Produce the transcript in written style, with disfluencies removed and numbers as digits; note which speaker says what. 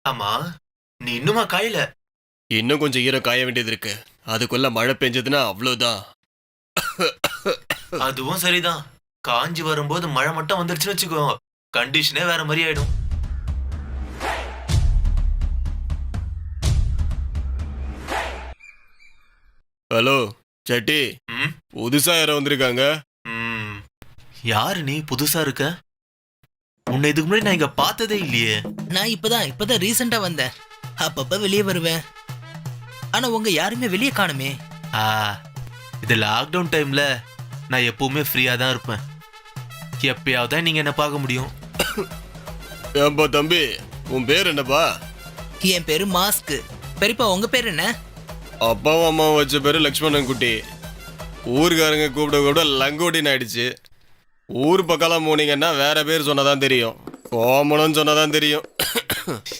Speaker 1: ஆமா, நீ இன்னுமா காயல?
Speaker 2: இன்னும் கொஞ்சம் ஈரம் காய வேண்டியது இருக்கு. அதுக்குள்ள மழை பெஞ்சதுன்னா அவ்வளவுதான்.
Speaker 1: அதுவும் சரிதான். காஞ்சி வரும்போது மழை மட்டும் வந்துருச்சுன்னு வச்சுக்கோ, கண்டிஷனே வேற மாதிரி ஆயிடும்.
Speaker 2: ஹலோ செட்டி,
Speaker 1: ம்,
Speaker 2: புதுசா யாரோ வந்திருக்காங்க.
Speaker 1: ம். யாரு நீ புதுசா இருக்க? உன்னை இதுக்கு முன்னாடி நான் இங்க பார்த்ததே இல்லையே.
Speaker 3: நான் இப்பதான் ரீசெண்டா வந்தேன். அப்பப்ப வெளியே வருவேன். ஆனா உங்க யாருமே வெளியே காணுமே.
Speaker 1: ஆ, இது லாக்டவுன் டைம்ல நான் எப்பவுமே ஃப்ரீயா தான் இருப்பேன். எப்பயாவது தான் நீங்க என்ன பார்க்க முடியும்.
Speaker 2: ஏன்பா தம்பி, உன் பேர் என்னப்பா?
Speaker 3: என் பேரு மாஸ்க். பெரியப்பா உங்க பேர் என்ன?
Speaker 2: அப்பாவும் அம்மாவும் வச்ச பேரு லக்ஷ்மணன் குட்டி. ஊருக்காரங்க கூப்பிட கூப்பிட லங்கோட்டின்னு ஆயிடுச்சு. ஊர் பக்கம்லாம் போனீங்கன்னா வேற பேர் சொன்னதான் தெரியும். கோமணம்னு சொன்னதான் தெரியும்.